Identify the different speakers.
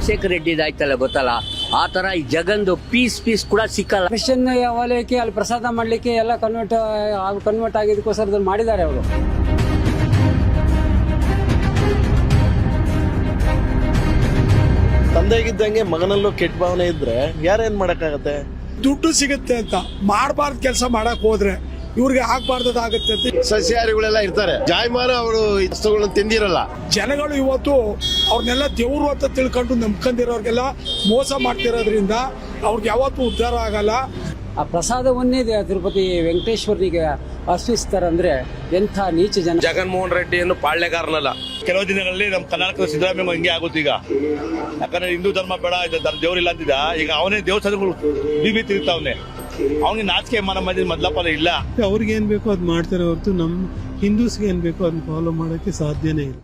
Speaker 1: ರಾಜಶೇಖರ ರೆಡ್ಡಿ ಆಯ್ತಲ್ಲ ಗೊತ್ತಲ್ಲ, ಆ ತರ ಈ ಜಗಂದು ಪೀಸ್ ಕೂಡ ಸಿಕ್ಕಲ್ಲ.
Speaker 2: ಕ್ರಿಶ್ಚಿಯನ್ ವಲಯಕ್ಕೆ ಅಲ್ಲಿ ಪ್ರಸಾದ ಮಾಡ್ಲಿಕ್ಕೆ ಎಲ್ಲ ಕನ್ವರ್ಟ್ ಆಗಿದ್ದಕ್ಕೋಸ್ಕರ ಮಾಡಿದ್ದಾರೆ ಅವರು.
Speaker 3: ತಂದೆಗಿದ್ದಂಗೆ ಮಗನಲ್ಲೂ ಕೆಟ್ಟ ಭಾವನೆ ಇದ್ರೆ ಯಾರೇನ್ ಮಾಡಕ್ಕಾಗತ್ತೆ?
Speaker 4: ದುಡ್ಡು ಸಿಗುತ್ತೆ ಅಂತ ಮಾಡಬಾರ್ದು ಕೆಲಸ ಮಾಡಕ್ ಹೋದ್ರೆ ಇವ್ರಿಗೆ ಆಗ್ಬಾರ್ದಾಗತ್ತೆ ಅಂತ
Speaker 3: ಸಸ್ಯಾಹಾರಿಗಳೆಲ್ಲ ಇರ್ತಾರೆ, ಜಾಯಮಾನ ಅವರು ವಸ್ತುಗಳನ್ನ ತಿಂದಿರಲ್ಲ.
Speaker 4: ಜನಗಳು ಇವತ್ತು ಅವ್ರನ್ನೆಲ್ಲ ದೇವ್ರು ಅಂತ ತಿಳ್ಕೊಂಡು ನಂಬ್ಕೊಂಡಿರೋರ್ಗೆಲ್ಲ ಮೋಸ ಮಾಡ್ತಿರೋದ್ರಿಂದ ಅವ್ರಿಗೆ ಯಾವತ್ತೂ ಉದ್ಧಾರ ಆಗಲ್ಲ.
Speaker 2: ಆ ಪ್ರಸಾದವನ್ನೇ ತಿರುಪತಿ ವೆಂಕಟೇಶ್ವರನಿಗೆ ಅರ್ಪಿಸ್ತಾರಂದ್ರೆ ಎಂಥ ನೀಚ ಜನ.
Speaker 5: ಜಗನ್ಮೋಹನ್ ರೆಡ್ಡಿಯನ್ನು ಪಾಳ್ಯಗಾರನಲ್ಲ. ಕೆಲವು ದಿನಗಳಲ್ಲಿ ನಮ್ಮ ಕರ್ನಾಟಕದ ಸಿದ್ದರಾಮಯ್ಯ ಹಿಂಗೆ ಆಗುತ್ತೆ ಈಗ. ಯಾಕಂದ್ರೆ ಹಿಂದೂ ಧರ್ಮ ಬೇಡ, ದೇವ್ರಿಲ್ಲ ಅಂತಿದ್ದ, ಈಗ ಅವನೇ ದೇವಸ್ಥಾನಗಳು ಬೀಬಿ ತಿರುಗ್ತಾವನೆ. ಅವನಿಗೆ ನಾಚಿಕೆ ಮನ ಮೊದಲ ಇಲ್ಲ.
Speaker 6: ಅವ್ರಿಗೆ ಏನ್ ಬೇಕೋ ಅದ್ ಮಾಡ್ತಾರೆ ಹೊರತು ನಮ್ಮ ಹಿಂದೂಸ್ಗೆ ಏನ್ ಬೇಕೋ ಅದನ್ನ ಫಾಲೋ ಮಾಡಕ್ಕೆ ಸಾಧ್ಯನೇ ಇಲ್ಲ.